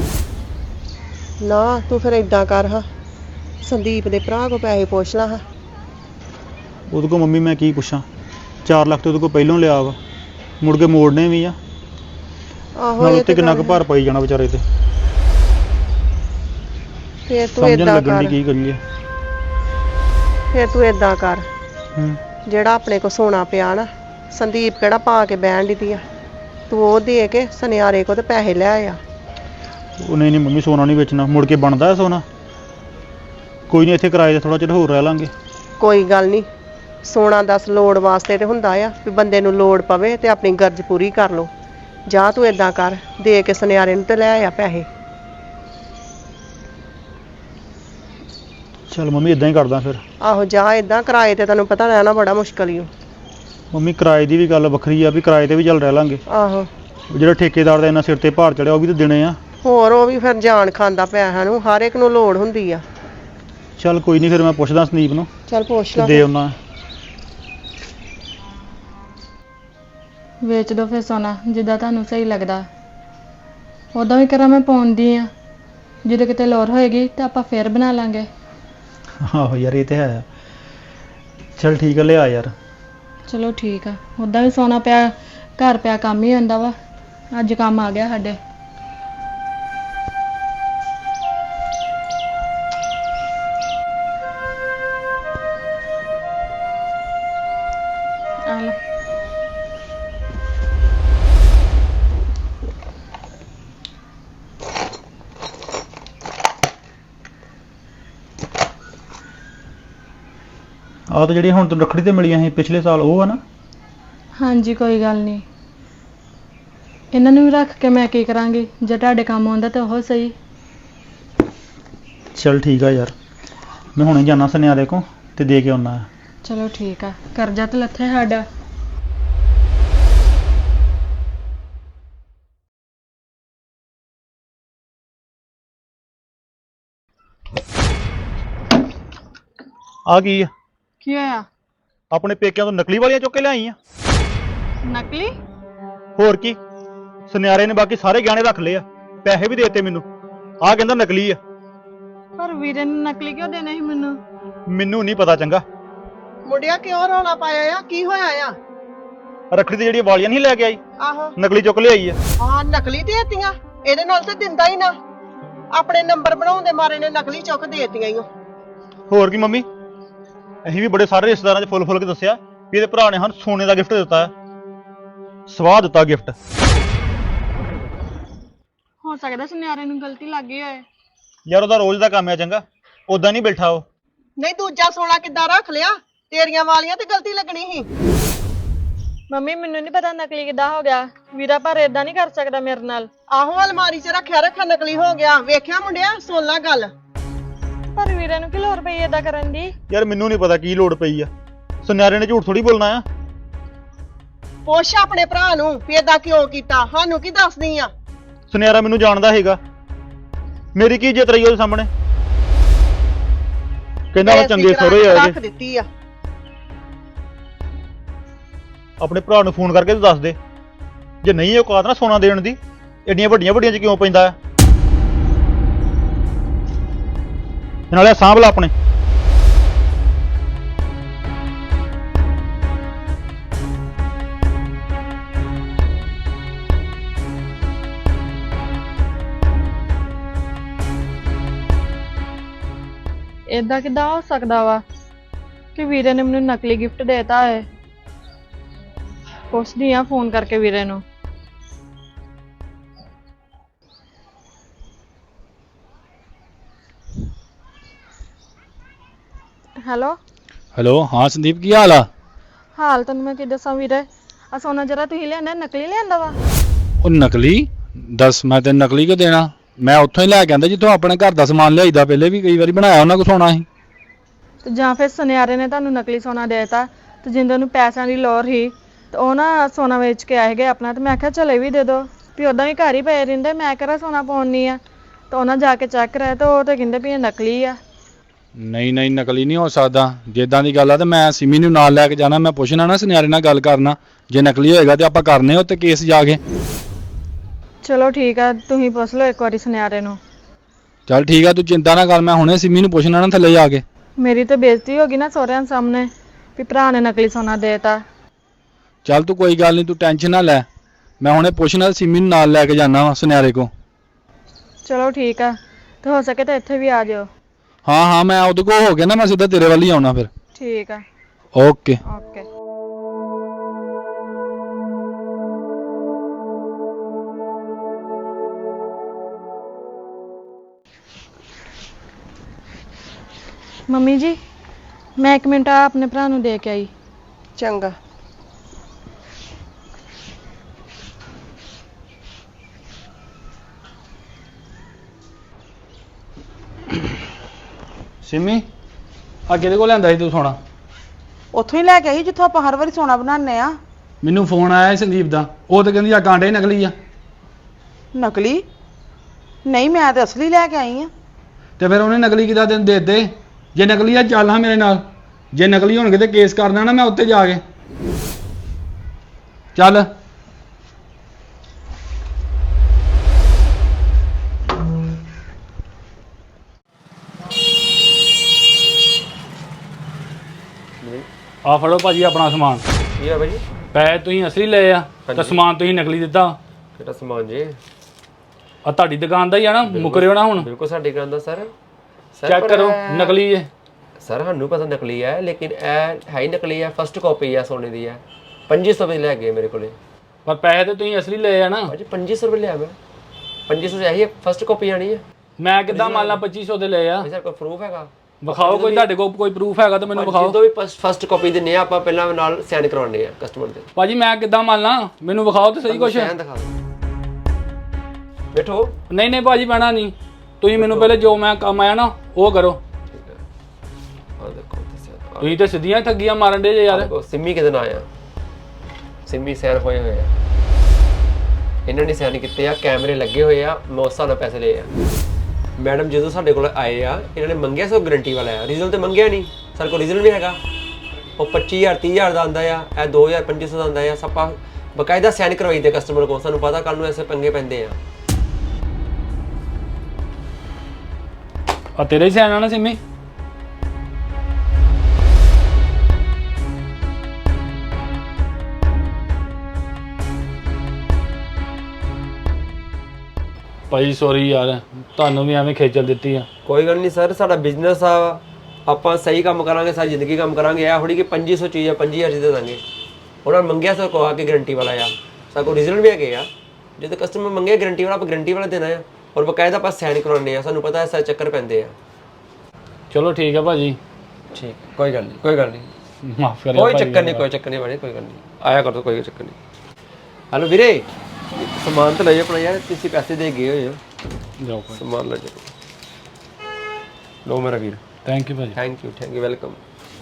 F: ਨਾ ਤੂੰ ਫਿਰ ਏਦਾਂ ਕਰ ਹਾਂ ਸੰਦੀਪ ਦੇ ਭਰਾ ਕੋ ਪੈਸੇ ਪੁੱਛ ਲਾ ਹਾਂ
A: ਉਹਦੇ ਕੋਲ ਮੰਮੀ ਮੈਂ ਕੀ ਪੁੱਛਾਂ ਚਾਰ ਲੱਖ ਤੇ ਉਹਦੇ ਕੋਲ ਪਹਿਲੋਂ ਲਿਆ ਵਾ ਮੁੜ ਕੇ ਮੋੜਨੇ ਵੀ ਆ
F: ਆਹੋ
A: ਨਾਲ
F: ਇਹ
A: ਉੱਤੇ
F: ਤੇ
A: ਕਿੰਨਾ ਕੁ
F: ਗੱਲ
A: ਭਾਰ ਪਾਈ ਜਾਣਾ ਵਿਚਾਰੇ ਤੇ
F: ਫੇਰ ਤੂੰ
A: ਸਮਝਣ
F: ਏਦਾਂ
A: ਲੱਗਣ ਦੀ
F: ਕਰ
A: ਕੀ ਕਰੀਏ
F: ਫੇਰ ਤੂੰ ਏਦਾਂ ਕਰ
A: ਹੂੰ
F: ਜਿਹੜਾ ਆਪਣੇ ਕੋ ਸੋਨਾ ਪਿਆ ਨਾ ਸੰਦੀਪ ਕਿਹੜਾ ਪਾ ਕੇ ਬਹਿਣ ਦੀ ਆ ਤੂੰ ਉਹ ਦੇ ਕੇ ਸੁਨਿਆਰੇ ਕੋ ਤੇ ਪੈਸੇ ਲੈ ਆ
A: ਉਹ ਨਹੀਂ ਨਹੀਂ ਮੰਮੀ ਸੋਨਾ ਨਹੀਂ ਵੇਚਣਾ ਮੁੜ ਕੇ ਬਣਦਾ ਹੈ ਸੋਨਾ ਕੋਈ ਨਹੀਂ ਇੱਥੇ ਕਿਰਾਏ ਤੇ ਥੋੜਾ ਚਿਰ ਹੋਰ ਰਹਿ ਲਾਂਗੇ
F: ਕੋਈ ਗੱਲ ਨਹੀਂ ਸੋਨਾ ਦਸ ਲੋੜ ਵਾਸਤੇ ਤੇ ਹੁੰਦਾ ਆ ਵੀ ਬੰਦੇ ਨੂੰ ਲੋੜ ਪਵੇ ਤੇ ਆਪਣੀ ਗਰਜ ਪੂਰੀ ਕਰ ਲੋ ਜਾ ਤੂੰ ਏਦਾਂ ਕਰ ਦੇ ਕੇ ਸੁਨਿਆਰੇ ਨੂੰ ਤੇ ਲੈ ਆ ਪੈਸੇ
A: ਚੱਲ ਮੰਮੀ ਇਦਾਂ ਹੀ ਕਰਦਾ ਫਿਰ
F: ਆਹੋ ਜਾ ਏਦਾਂ ਕਿਰਾਏ ਤੇ ਤੈਨੂੰ ਪਤਾ ਰਹਿਣਾ ਬੜਾ ਮੁਸ਼ਕਲ ਹੀ ਓ
A: ਮੰਮੀ ਕਿਰਾਏ ਦੀ ਵੀ ਗੱਲ ਵੱਖਰੀ ਆ ਵੀ ਕਿਰਾਏ ਤੇ ਵੀ ਚੱਲ ਰਹਿ ਲਾਂਗੇ
F: ਆਹੋ
A: ਉਹ ਜਿਹੜਾ ਠੇਕੇਦਾਰ ਦਾ ਇੰਨਾ ਸਿਰ ਤੇ ਭਾਰ ਚੜਿਆ ਉਹ ਵੀ ਤਾਂ ਦੇਣੇ ਆ
F: ਹੋਰ ਉਹ ਵੀ ਫਿਰ ਜਾਨ ਖਾਂਦਾ ਪੈਸਿਆਂ ਨੂੰ ਹਰ ਇੱਕ ਨੂੰ ਲੋੜ ਹੁੰਦੀ ਆ
A: ਚੱਲ ਕੋਈ ਨਹੀਂ ਫਿਰ ਮੈਂ ਪੁੱਛਦਾ ਸੰਦੀਪ ਨੂੰ
F: ਚੱਲ ਪੁੱਛ
A: ਤੇ
F: ਲਾ
A: ਦੇ ਆਉਣਾ
B: ਵੇਚ ਦੋ ਫਿਰ ਸੋਨਾ ਜਿੱਦਾਂ ਤੁਹਾਨੂੰ ਸਹੀ ਲੱਗਦਾ ਉਦੋਂ ਵੀ ਕਰਾਂ ਮੈਂ ਪਾਉਂਦੀ ਆ ਜਦੋਂ ਕਿਤੇ ਲੋੜ ਹੋਏਗੀ ਤਾਂ ਆਪਾਂ ਫੇਰ ਬਣਾ ਲਾਂਗੇ
A: ਆਹੋ ਯਾਰ ਇਹ ਤੇ ਹੈ ਚੱਲ ਠੀਕ ਆ ਲਿਆ ਯਾਰ
B: ਚਲੋ ਠੀਕ ਆ ਉਦਾਂ ਵੀ ਸੋਨਾ ਪਿਆ ਘਰ ਪਿਆ ਕੰਮ ਹੀ ਹੁੰਦਾ ਵਾ ਅੱਜ ਕੰਮ ਆ ਗਿਆ ਸਾਡੇ ਆ ਲਓ
A: ਆਹ ਤਾਂ ਜਿਹੜੀ ਹੁਣ ਤੈਨੂੰ ਰੱਖੜੀ ਤੇ ਮਿਲੀਆਂ ਸੀ ਪਿਛਲੇ ਸਾਲ ਉਹ ਆ ਨਾ
B: ਹਾਂਜੀ ਕੋਈ ਗੱਲ ਨਹੀਂ ਇਹਨਾਂ ਨੂੰ ਵੀ ਰੱਖ ਕੇ ਮੈਂ ਕੀ ਕਰਾਂਗੀ ਜੇ ਤੁਹਾਡੇ ਕੰਮ ਆਉਂਦਾ ਤਾਂ ਉਹ ਸਹੀ
A: ਚੱਲ ਠੀਕ ਆ ਯਾਰ ਮੈਂ ਹੁਣੇ ਜਾਣਾ ਸੁਨਿਆਰੇ ਕੋ ਤੇ ਦੇ ਕੇ ਆਉਣਾ
B: ਚਲੋ ਠੀਕ ਆ ਕਰਜ਼ਾ ਤਾਂ ਲੱਥੇ ਸਾਡਾ
A: ਆ ਕੀ ਆ
B: ਕੀ ਹੋਇਆ
A: ਆਪਣੇ ਪੇਕਿਆਂ ਤੋਂ ਨਕਲੀ ਵਾਲੀਆਂ ਚੁੱਕ ਕੇ ਲਿਆਈ ਆ
B: ਨਕਲੀ
A: ਹੋਰ ਕੀ ਸੁਨਿਆਰੇ ਨੇ ਬਾਕੀ ਸਾਰੇ ਗਹਿਣੇ ਰੱਖ ਲਏ ਆ ਪੈਸੇ ਵੀ ਦੇਤੇ ਮੈਨੂੰ ਆ ਕਹਿੰਦਾ ਨਕਲੀ ਆ
B: ਪਰ ਵੀਰੇ ਨੇ ਨਕਲੀ ਕਿਉਂ ਦੇਣੇ ਸੀ ਮੈਨੂੰ
A: ਮੈਨੂੰ ਨਹੀਂ ਪਤਾ ਚੰਗਾ
F: ਮੁੰਡਿਆ ਕਿਉਂ ਰੌਲਾ ਪਾਇਆ ਆ ਕੀ ਹੋਇਆ ਆ
A: ਰੱਖੜੀ ਤੇ ਜਿਹੜੀਆਂ ਵਾਲੀਆਂ ਨਹੀਂ ਲੈ ਕੇ ਆਈ
F: ਆਹੋ
A: ਨਕਲੀ ਚੁੱਕ ਲਿਆਈ ਆ
F: ਹਾਂ ਨਕਲੀ ਦੇਤੀਆਂ ਇਹਦੇ ਨਾਲ ਤੇ ਦਿੰਦਾ ਹੀ ਨਾ ਆਪਣੇ ਨੰਬਰ ਬਣਾਉਣ ਦੇ ਮਾਰੇ ਨੇ ਨਕਲੀ ਚੁੱਕ ਦੇਤੀਆਂ ਈ ਓ।
A: ਹੋਰ ਕੀ ਮੰਮੀ ਅਸੀਂ ਵੀ ਬੜੇ ਸਾਰੇ ਰਿਸ਼ਤੇਦਾਰਾਂ 'ਚ ਫੁੱਲ ਫੁੱਲ ਕੇ ਦੱਸਿਆ ਵੀ ਇਹਦੇ ਭਰਾ ਨੇ ਸਾਨੂੰ ਸੋਨੇ ਦਾ ਗਿਫਟ ਦਿੱਤਾ ਹੈ। ਸਵਾਹ ਦਿੱਤਾ ਗਿਫਟ।
B: ਹੋ ਸਕਦਾ ਸੁਨਿਆਰੇ ਨੂੰ ਗਲਤੀ ਲੱਗ ਗਈ ਹੋਏ।
A: ਯਾਰ ਉਹਦਾ ਰੋਜ਼ ਦਾ ਕੰਮ ਹੈ ਚੰਗਾ, ਉਦਾਂ ਨਹੀਂ ਬੈਠਾ ਉਹ।
F: ਨਹੀਂ ਦੂਜਾ ਸੋਨਾ ਕਿੱਦਾਂ ਰੱਖ ਲਿਆ? ਤੇਰੀਆਂ ਵਾਲੀਆਂ ਤੇ ਗਲਤੀ ਲੱਗਣੀ ਸੀ।
B: ਮੰਮੀ ਮੈਨੂੰ ਨਹੀਂ ਪਤਾ ਨਕਲੀ ਕਿੱਦਾਂ ਹੋ ਗਿਆ। ਵੀਰਾ ਪਰ ਏਦਾਂ ਨਹੀਂ ਕਰ ਸਕਦਾ ਮੇਰੇ ਨਾਲ।
F: ਆਹੋ ਅਲਮਾਰੀ 'ਚ ਰੱਖਿਆ ਰੱਖਿਆ ਨਕਲੀ ਹੋ ਗਿਆ। ਵੇਖਿਆ ਮੁੰਡਿਆ, ਸੁਣ ਲਾ ਗੱਲ।
B: ਪਰ ਵੀਰੇ ਨੂੰ ਕੀ ਲੋੜ ਪਈ ਏਦਾਂ ਕਰਨ ਦੀ?
A: ਯਾਰ ਮੈਨੂੰ ਨਹੀਂ ਪਤਾ ਕੀ ਲੋੜ ਪਈ ਆ। ਸੁਨਿਆਰੇ ਨੇ ਝੂਠ ਥੋੜੀ ਬੋਲਣਾ ਆ।
F: ਪੁੱਛ ਆਪਣੇ ਭਰਾ ਨੂੰ ਵੀ ਏਦਾਂ ਕਿਉਂ ਕੀਤਾ, ਸਾਨੂੰ ਕੀ ਦੱਸਦੀ ਆ?
A: ਸੁਨਿਆਰਾ ਮੈਨੂੰ ਜਾਣਦਾ ਹੈਗਾ, ਮੇਰੀ ਕੀ ਇੱਜ਼ਤ ਰਹੀ ਉਹਦੇ ਸਾਹਮਣੇ। ਕਹਿੰਦਾ ਮੈਂ ਚੰਗੇ ਸਹੁਰੇ
F: ਰੱਖ
A: ਆਏ ਜੇ।
F: ਦਿੱਤੀ ਆ।
A: ਆਪਣੇ ਭਰਾ ਨੂੰ ਫੋਨ ਕਰਕੇ ਤੂੰ ਦੱਸ ਦੇ, ਜੇ ਨਹੀਂ ਔਕਾਤ ਨਾ ਸੋਨਾ ਦੇਣ ਦੀ, ਏਡੀਆਂ ਵੱਡੀਆਂ ਵੱਡੀਆਂ 'ਚ ਕਿਉਂ ਪੈਂਦਾ ਆ। ਨਾਲੇ ਸਾਂਭ ਲਾ ਆਪਣੇ।
B: ਏਦਾਂ ਕਿੱਦਾਂ ਹੋ ਸਕਦਾ ਵਾ ਕਿ ਵੀਰੇ ਨੇ ਮੈਨੂੰ ਨਕਲੀ ਗਿਫਟ ਦੇਤਾ ਹੈ। ਪੁੱਛਦੀ ਆ ਫੋਨ ਕਰਕੇ ਵੀਰੇ ਨੂੰ। ਹੈਲੋ
C: ਹੈਲੋ, ਹਾਂ ਸੰਦੀਪ, ਕੀ ਹਾਲ ਆ?
B: ਹਾਲ ਤੈਨੂੰ ਮੈਂ ਕੀ ਦੱਸਾਂ ਵੀਰੇ, ਆ ਸੋਨਾ ਜਰਾ ਤੁਸੀਂ ਲਿਆਂਦਾ ਨਕਲੀ ਲਿਆਂਦਾ ਵਾ।
C: ਉਹ ਨਕਲੀ? ਦੱਸ, ਮੈਂ ਤੈਨੂੰ ਨਕਲੀ ਕਿਉਂ ਦੇਣਾ? ਮੈਂ ਉੱਥੋਂ ਹੀ ਲੈ ਕੇ ਆਂਦਾ ਜਿੱਥੋਂ ਆਪਣੇ ਘਰ ਦਾ ਸਮਾਨ ਲਿਆਈਦਾ, ਪਹਿਲੇ ਵੀ ਕਈ ਵਾਰੀ ਬਣਾਇਆ ਉਹਨਾਂ ਕੋਲ ਸੋਨਾ ਸੀ।
B: ਤੇ ਜਾਂ ਫਿਰ ਸੁਨਿਆਰੇ ਨੇ ਤੁਹਾਨੂੰ ਨਕਲੀ ਸੋਨਾ ਦੇਤਾ ਤੇ ਜਿੰਦੇ ਨੂੰ ਪੈਸਿਆਂ ਦੀ ਲੋੜ ਸੀ ਤੇ ਉਹ ਨਾ ਸੋਨਾ ਵੇਚ ਕੇ ਆਏ ਗਏ ਆਪਣਾ। ਤੇ ਮੈਂ ਆਖਿਆ ਚਲੇ ਵੀ ਦੇ ਦੋ ਵੀ ਉਦਾਂ ਵੀ ਘਰ ਹੀ ਪਏ ਰਹਿੰਦੇ, ਮੈਂ ਕਿਹੜਾ ਸੋਨਾ ਪਾਉਣੀ ਆ। ਤੇ ਉਹਨਾਂ ਜਾ ਕੇ ਚੈੱਕ ਕਰਾਇਆ ਤੇ ਉਹ ਤੇ ਕਹਿੰਦੇ ਵੀ ਇਹ ਨਕਲੀ ਆ।
C: ਨਹੀਂ ਨਹੀਂ, ਨਕਲੀ ਨਹੀਂ ਹੋ ਸਕਦਾ। ਜਿੱਦਾਂ ਦੀ ਗੱਲ ਆ ਤੇ ਮੈਂ ਸਿਮੀ ਨੂੰ ਨਾਲ ਲੈ ਕੇ ਜਾਣਾ, ਮੈਂ ਪੁੱਛਣਾ ਨਾ ਸੁਨਿਆਰੇ ਨਾਲ ਗੱਲ ਕਰਨਾ, ਜੇ ਨਕਲੀ ਹੋਏਗਾ ਤੇ ਆਪਾਂ ਕਰਨੇ ਉੱਤੇ ਕੇਸ ਜਾ ਕੇ।
B: ਚਲੋ ਠੀਕ ਆ, ਤੁਸੀਂ ਪੁੱਛ ਲਓ ਇੱਕ ਵਾਰੀ ਸੁਨਿਆਰੇ ਨੂੰ।
C: ਚੱਲ ਠੀਕ ਆ, ਤੂੰ ਚਿੰਤਾ ਨਾ ਕਰ, ਮੈਂ ਹੁਣੇ ਸਿਮੀ ਨੂੰ ਪੁੱਛਣਾ ਨਾ ਥੱਲੇ ਜਾ ਕੇ।
B: ਮੇਰੀ ਤਾਂ ਬੇਇੱਜ਼ਤੀ ਹੋ ਗਈ ਨਾ ਸਹੁਰਿਆਂ ਸਾਹਮਣੇ ਵੀ ਭਰਾ ਨੇ ਨਕਲੀ ਸੋਨਾ ਦੇਤਾ।
C: ਚੱਲ ਤੂੰ ਕੋਈ ਗੱਲ ਨਹੀਂ, ਤੂੰ ਟੈਨਸ਼ਨ ਨਾ ਲੈ, ਮੈਂ ਹੁਣੇ ਪੁੱਛਣਾ ਸਿਮੀ ਨੂੰ ਨਾਲ ਲੈ ਕੇ ਜਾਣਾ ਵਾ ਸੁਨਿਆਰੇ ਕੋ।
B: ਚਲੋ ਠੀਕ ਆ, ਤੇ ਹੋ ਸਕੇ ਤਾਂ ਇੱਥੇ ਵੀ ਆ ਜਾਓ।
C: ਹਾਂ ਹਾਂ, ਮੈਂ ਉਹਦੇ ਕੋਲ ਹੋ ਗਿਆ ਨਾ, ਮੈਂ ਸਿੱਧਾ ਤੇਰੇ ਵੱਲ ਹੀ ਆਉਣਾ ਫਿਰ।
B: ਠੀਕ ਆ,
C: ਓਕੇ
B: ਓਕੇ। ਮੰਮੀ ਜੀ, ਮੈਂ ਇੱਕ ਮਿੰਟ ਆ ਆਪਣੇ ਭਰਾ ਨੂੰ ਦੇ ਕੇ ਆਈ।
F: ਚੰਗਾ।
C: ਸਿਮੀ, ਆ ਕਿਹਦੇ ਕੋਲ ਲਿਆਂਦਾ ਸੀ ਤੂੰ ਸੋਨਾ?
D: ਉੱਥੋਂ ਹੀ ਲੈ ਕੇ ਆਈ ਜਿੱਥੋਂ ਆਪਾਂ ਹਰ ਵਾਰੀ ਸੋਨਾ ਬਣਾਉਂਦੇ ਆ।
C: ਮੈਨੂੰ ਫੋਨ ਆਇਆ ਸੀ ਸੰਦੀਪ ਦਾ, ਉਹ ਤਾਂ ਕਹਿੰਦੀ ਆ ਕਾਂਟੇ ਨਕਲੀ ਆ।
D: ਨਕਲੀ? ਨਹੀਂ, ਮੈਂ ਤੇ ਅਸਲੀ ਲੈ ਕੇ ਆਈ ਆ।
C: ਤੇ ਫਿਰ ਉਹਨੇ ਨਕਲੀ ਕਿਦਾਂ ਤੈਨੂੰ ਦੇ ਦਿੱਤੇ? ਜੇ ਨਕਲੀ ਆ ਚੱਲ ਹਾਂ ਮੇਰੇ ਨਾਲ, ਜੇ ਨਕਲੀ ਹੋਣਗੇ ਤੇ ਕੇਸ ਕਰਨਾ ਨਾ ਮੈਂ ਉੱਤੇ ਜਾ ਕੇ। ਚੱਲ। ਆ ਫੜੋ ਭਾਜੀ ਆਪਣਾ ਸਮਾਨ।
G: ਕੀ ਆ ਭਾਈ?
C: ਪੈਸੇ ਤੁਸੀਂ ਅਸਲੀ ਲਏ ਆ ਤੇ ਸਮਾਨ ਤੁਸੀਂ ਨਕਲੀ ਦਿੱਤਾ।
G: ਕਿਹੜਾ ਸਮਾਨ ਜੀ?
C: ਆ ਤੁਹਾਡੀ ਦੁਕਾਨ ਦਾ ਹੀ ਆ ਨਾ, ਮੁਕਰਿਓ ਨਾ ਹੁਣ।
G: ਬਿਲਕੁਲ ਸਾਡੀ ਦੁਕਾਨ ਦਾ ਸਰ।
C: ਚੈੱਕ ਕਰੋ, ਨਕਲੀ ਹੈ
G: ਸਰ। ਸਾਨੂੰ ਪਤਾ ਨਕਲੀ ਹੈ, ਲੇਕਿਨ ਇਹ ਹੈ ਹੀ ਨਕਲੀ ਹੈ। ਫਸਟ ਕਾਪੀ ਹੈ ਸੋਨੇ ਦੀ ਹੈ। ਪੰਜੀ ਸੌ ਰੁਪਏ ਲੈ ਗਏ ਮੇਰੇ ਕੋਲੇ।
C: ਪਰ ਪੈਸੇ ਤੇ ਤੁਸੀਂ ਅਸਲੀ ਲਏ ਆ ਨਾ।
G: ਭਾਜੀ ਪੰਜੀ ਸੌ ਰੁਪਏ ਲਿਆ ਮੈਂ। ਪੰਜੀ ਸੌ ਇਹੀ ਫਸਟ ਕਾਪੀ ਆਣੀ ਹੈ।
C: ਮੈਂ ਕਿੱਦਾਂ ਮੰਨ ਲਾ ਪੱਚੀ ਸੌ ਦੇ ਲਏ ਆ?
G: ਸਰ ਕੋਈ ਪ੍ਰੂਫ ਹੈਗਾ?
C: ਵਿਖਾਓ, ਕੋਈ ਤੁਹਾਡੇ ਕੋਲ ਕੋਈ ਪ੍ਰੂਫ ਹੈਗਾ ਤਾਂ ਮੈਨੂੰ ਵਿਖਾਓ।
G: ਜਦੋਂ ਵੀ ਫਸਟ ਕਾਪੀ ਦਿੰਨੇ ਆ ਆਪਾਂ ਪਹਿਲਾਂ ਨਾਲ ਸਾਈਨ ਕਰਵਾਉਣੇ ਆ ਕਸਟਮਰ ਦੇ।
C: ਭਾਜੀ ਮੈਂ ਕਿੱਦਾਂ ਮੰਨ ਲਾਂ? ਮੈਨੂੰ ਵਿਖਾਓ ਤੇ ਸਹੀ ਕੁਛ।
G: ਸਾਈਨ ਦਿਖਾ ਦਿਓ। ਬੈਠੋ।
C: ਨਹੀਂ ਨਹੀਂ ਭਾਜੀ, ਬਹਿਣਾ ਨਹੀਂ। ਤੁਸੀਂ ਮੈਨੂੰ ਪਹਿਲੇ ਜੋ ਮੈਂ ਕੰਮ ਆਇਆ ਨਾ ਉਹ ਕਰੋ।
G: ਠੀਕ ਹੈ, ਆ ਦੇਖੋ ਦੱਸਿਆ।
C: ਤੁਸੀਂ ਤੇ ਸਿੱਧੀਆਂ ਠੱਗੀਆਂ ਮਾਰਨ ਦੇ ਜੇ ਯਾਰ।
G: ਦੇਖੋ ਸਿੰਮੀ ਕਿਹਦੇ ਨਾਲ ਆਇਆ? ਸਿੰਮੀ ਸਾਈਨ ਹੋਏ ਹੋਏ ਆ। ਇਹਨਾਂ ਨੇ ਸਾਈਨ ਕੀਤੇ ਆ, ਕੈਮਰੇ ਲੱਗੇ ਹੋਏ ਆ, ਮੈਂ ਉਸ ਹਿਸਾਬ ਨਾਲ ਪੈਸੇ ਲਏ ਆ। ਮੈਡਮ ਜਦੋਂ ਸਾਡੇ ਕੋਲ ਆਏ ਆ, ਇਹਨਾਂ ਨੇ ਮੰਗਿਆ ਸੋ ਗਰੰਟੀ ਵਾਲਾ ਆ, ਰੀਜ਼ਨ ਤੇ ਮੰਗਿਆ ਨਹੀਂ। ਸਾਡੇ ਕੋਲ ਰੀਜ਼ਨ ਵੀ ਹੈਗਾ। ਉਹ ਪੱਚੀ ਹਜ਼ਾਰ ਤੀਹ ਹਜ਼ਾਰ ਦਾ ਆਉਂਦਾ ਆ, ਇਹ ਦੋ ਹਜ਼ਾਰ ਪੰਜੀ ਸੌ ਦਾ ਆਉਂਦਾ ਆ। ਸਪਾ ਬਕਾਇਦਾ ਸਾਈਨ ਕਰਵਾਈ ਦੇ ਕਸਟਮਰ ਕੋਲ। ਸਾਨੂੰ ਪਤਾ ਕੱਲ ਨੂੰ ਐਸੇ ਪੰਗੇ ਪੈਂਦੇ ਆ।
C: ਆ ਤੇਰੇ ਸਾਈਨ ਆ ਨਾ ਸਿੰਮੀ? ਭਾਈ ਸੌਰੀ ਯਾਰ, ਤੁਹਾਨੂੰ ਵੀ ਐਵੇਂ ਖੇਚਲ ਦਿੱਤੀ ਆ।
G: ਕੋਈ ਗੱਲ ਨਹੀਂ ਸਰ, ਸਾਡਾ ਬਿਜ਼ਨਸ ਆ, ਆਪਾਂ ਸਹੀ ਕੰਮ ਕਰਾਂਗੇ ਸਾਰੀ ਜ਼ਿੰਦਗੀ ਕੰਮ ਕਰਾਂਗੇ। ਇਹ ਥੋੜੀ ਕਿ ਪੰਜੀ ਸੌ ਚੀਜ਼ ਆ ਪੰਜੀ ਹਜ਼ਾਰ ਦੀ ਦੇ ਦਾਂਗੇ। ਉਹਨਾਂ ਨੇ ਮੰਗਿਆ ਸਰ ਕੋ ਆ ਕੇ ਗਰੰਟੀ ਵਾਲਾ ਆ, ਸਾਡੇ ਕੋਲ ਰੀਜ਼ਨ ਵੀ ਹੈਗੇ ਆ। ਜਦੋਂ ਕਸਟਮਰ ਮੰਗੇ ਗਰੰਟੀ ਵਾਲਾ, ਆਪਾਂ ਗਰੰਟੀ ਵਾਲਾ ਦੇਣਾ ਆ ਔਰ ਬਕਾਇਦਾ ਆਪਾਂ ਸਾਈਨ ਕਰਾਉਣੇ ਆ। ਸਾਨੂੰ ਪਤਾ ਹੈ ਸਾਰੇ ਚੱਕਰ ਪੈਂਦੇ ਆ।
C: ਚਲੋ ਠੀਕ ਆ ਭਾਜੀ।
G: ਠੀਕ, ਕੋਈ ਗੱਲ ਨਹੀਂ, ਕੋਈ ਗੱਲ ਨਹੀਂ,
C: ਮਾਫ ਕਰਿਓ
G: ਕੋਈ
C: ਭਾਜੀ।
G: ਚੱਕਰ ਨਹੀਂ, ਕੋਈ ਚੱਕਰ ਨਹੀਂ ਭਾਜੀ, ਕੋਈ ਗੱਲ ਨਹੀਂ, ਆਇਆ ਕਰੋ, ਕੋਈ ਚੱਕਰ ਨਹੀਂ। ਹੈਲੋ ਵੀਰੇ, ਸਮਾਨ ਤਾਂ ਲੈ ਜਾਓ ਆਪਣਾ ਯਾਰ, ਤੁਸੀਂ ਪੈਸੇ ਦੇ ਗਏ ਹੋਏ ਹੋ,
C: ਜਾਓ ਭਾਜੀ।
G: ਸਮਾਨ ਲੈ ਜਾਓ। ਲੋ ਮੇਰਾ ਵੀਰ,
C: ਥੈਂਕ ਯੂ ਭਾਜੀ।
G: Thank you, thank you, welcome.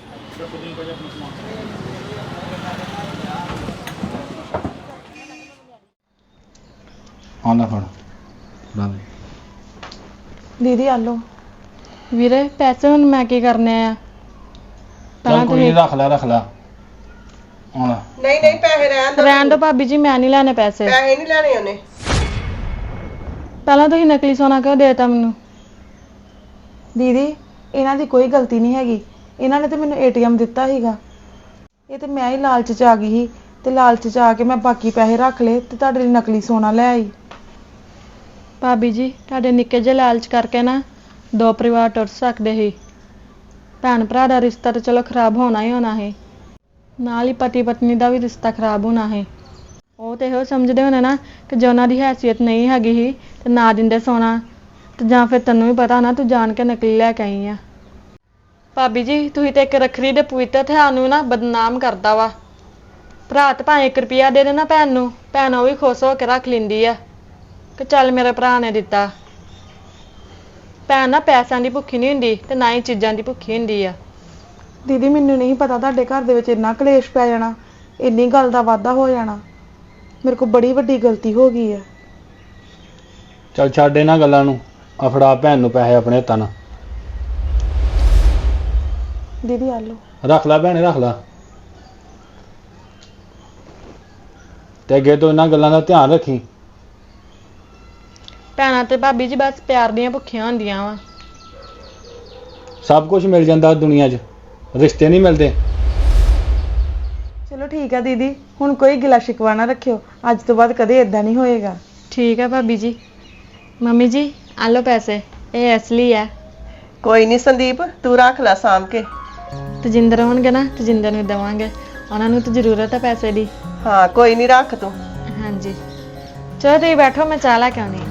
C: ਹਾਂ ਨਾ ਫੜ ਫੜਾ ਦੇ।
B: ਦੀਦੀ ਆ ਲਓ। ਵੀਰੇ ਪੈਸੇ ਹੁਣ ਮੈਂ ਕੀ ਕਰਨੇ ਆ?
C: ਚੱਲ ਕੋਈ ਨਹੀਂ, ਰੱਖ ਲੈ ਰੱਖ ਲੈ ਹੁਣ।
F: ਨਹੀਂ ਨਹੀਂ ਪੈਸੇ ਰਹਿਣ ਦੋ,
B: ਰਹਿਣ ਦੋ ਭਾਬੀ ਜੀ, ਮੈਂ ਨਹੀਂ ਲੈਣੇ ਪੈਸੇ।
F: ਪੈਸੇ ਨਹੀਂ ਲੈਣੇ ਉਹਨੇ।
B: ਪਹਿਲਾਂ ਤੁਸੀਂ ਨਕਲੀ ਸੋਨਾ ਕਿਉਂ ਦੇਤਾ ਮੈਨੂੰ?
D: ਦੀਦੀ ਇਹਨਾਂ ਦੀ ਕੋਈ ਗਲਤੀ ਨਹੀਂ ਹੈਗੀ, ਇਹਨਾਂ ਨੇ ਤੇ ਮੈਨੂੰ ਏਟੀਐਮ ਦਿੱਤਾ ਸੀਗਾ। ਇਹ ਤੇ ਮੈਂ ਹੀ ਲਾਲਚ 'ਚ ਆ ਗਈ ਸੀ ਤੇ ਲਾਲਚ 'ਚ ਆ ਕੇ ਮੈਂ ਬਾਕੀ ਪੈਸੇ ਰੱਖ ਲਏ ਤੇ ਤੁਹਾਡੇ ਲਈ ਨਕਲੀ ਸੋਨਾ ਲੈ ਆਈ।
B: ਭਾਬੀ ਜੀ ਤੁਹਾਡੇ ਨਿੱਕੇ ਜਿਹੇ ਲਾਲਚ ਕਰਕੇ ਨਾ ਦੋ ਪਰਿਵਾਰ ਟੁੱਟ ਸਕਦੇ ਸੀ। ਭੈਣ ਭਰਾ ਦਾ ਰਿਸ਼ਤਾ ਤਾਂ ਚਲੋ ਖਰਾਬ ਹੋਣਾ ਹੀ ਹੋਣਾ ਹੈ, ਨਾਲ ਹੀ ਪਤੀ ਪਤਨੀ ਦਾ ਵੀ ਰਿਸ਼ਤਾ ਖਰਾਬ ਹੋਣਾ ਹੈ। ਉਹ ਤੇ ਇਹੋ ਸਮਝਦੇ ਹੋਣੇ ਨਾ ਕਿ ਜੇ ਉਹਨਾਂ ਦੀ ਹੈਸੀਅਤ ਨਹੀਂ ਹੈਗੀ ਸੀ ਤੇ ਨਾ ਦਿੰਦੇ ਸੋਨਾ, ਤੇ ਜਾਂ ਫਿਰ ਤੈਨੂੰ ਵੀ ਪਤਾ ਨਾ ਤੂੰ ਜਾਣ ਕੇ ਨਕਲੀ ਲੈ ਕੇ ਆਈ ਆ। ਭਾਬੀ ਜੀ ਤੁਸੀਂ ਤੇ ਇੱਕ ਰੱਖੜੀ ਦੇ ਪਵਿੱਤਰ ਤਿਉਹਾਰ ਨੂੰ ਨਾ ਬਦਨਾਮ ਕਰਦਾ ਵਾ। ਭਰਾ ਤੇ ਭਾਵੇਂ ਇੱਕ ਰੁਪਿਆ ਦੇ ਦੇਣਾ ਭੈਣ ਨੂੰ, ਭੈਣ ਉਹ ਵੀ ਖੁਸ਼ ਹੋ ਕੇ ਰੱਖ ਲੈਂਦੀ ਆ ਕਿ ਚੱਲ ਮੇਰੇ ਭਰਾ ਨੇ ਦਿੱਤਾ। ਭੈਣ ਨਾ ਪੈਸਿਆਂ ਦੀ ਭੁੱਖੀ ਨਹੀਂ ਹੁੰਦੀ ਤੇ ਨਾ ਹੀ ਚੀਜ਼ਾਂ ਦੀ ਭੁੱਖੀ ਹੁੰਦੀ ਆ।
D: ਦੀਦੀ ਮੈਨੂੰ ਨਹੀਂ ਪਤਾ ਤੁਹਾਡੇ ਘਰ ਦੇ ਵਿੱਚ ਇੰਨਾ ਕਲੇਸ਼ ਪੈ ਜਾਣਾ, ਇੰਨੀ ਗੱਲ ਦਾ ਵਾਧਾ ਹੋ ਜਾਣਾ। ਮੇਰੇ ਕੋਲ ਬੜੀ ਵੱਡੀ ਗਲਤੀ ਹੋ ਗਈ ਹੈ।
C: ਚੱਲ ਛੱਡ ਇਹਨਾਂ ਗੱਲਾਂ ਨੂੰ, ਆ ਫੜਾ ਭੈਣ ਨੂੰ ਪੈਸੇ ਆਪਣੇ ਹੱਥਾਂ ਨਾਲ।
D: ਦੀਦੀ ਆ ਲਓ।
C: ਰੱਖ ਲੈ ਭੈਣੇ, ਰੱਖ ਲੈ। ਤੇ ਅੱਗੇ ਤੋਂ ਇਹਨਾਂ ਗੱਲਾਂ ਦਾ ਧਿਆਨ ਰੱਖੀ।
B: ਭੈਣਾਂ ਤੇ ਭਾਬੀ ਜੀ ਬਸ ਪਿਆਰ ਦੀਆਂ ਭੁੱਖੀਆਂ ਹੁੰਦੀਆਂ ਵਾ।
C: ਸਭ ਕੁਝ ਮਿਲ ਜਾਂਦਾ ਦੁਨੀਆ 'ਚ, ਰਿਸ਼ਤੇ ਨਹੀਂ ਮਿਲਦੇ।
D: ਚਲੋ ਠੀਕ ਹੈ ਦੀਦੀ, ਹੁਣ ਕੋਈ ਗਿਲਾ ਸ਼ਿਕਵਾ ਨਾ ਰੱਖਿਓ, ਅੱਜ ਤੋਂ ਬਾਅਦ ਕਦੇ ਇਦਾਂ ਨਹੀਂ ਹੋਏਗਾ।
B: ਠੀਕ ਹੈ ਭਾਬੀ ਜੀ। ਮੰਮੀ ਜੀ ਆ ਲਓ ਪੈਸੇ, ਇਹ ਅਸਲੀ ਹੈ।
F: ਕੋਈ ਨਹੀਂ ਸੰਦੀਪ, ਤੂੰ ਰੱਖ ਲੈ ਸਾਂਭ ਕੇ।
B: ਤਜਿੰਦਰ ਹੋਣਗੇ ਨਾ, ਤਜਿੰਦਰ ਨੂੰ ਦੇਵਾਂਗੇ, ਉਹਨਾਂ ਨੂੰ ਤਾਂ ਜ਼ਰੂਰਤ ਹੈ ਪੈਸੇ ਦੀ।
F: ਹਾਂ ਕੋਈ ਨਹੀਂ, ਰੱਖ ਤੂੰ।
B: ਹਾਂਜੀ ਚਲੋ ਤੁਸੀਂ ਬੈਠੋ, ਮੈਂ ਚਾਹ ਲੈ ਕੇ ਆਉਣੀ।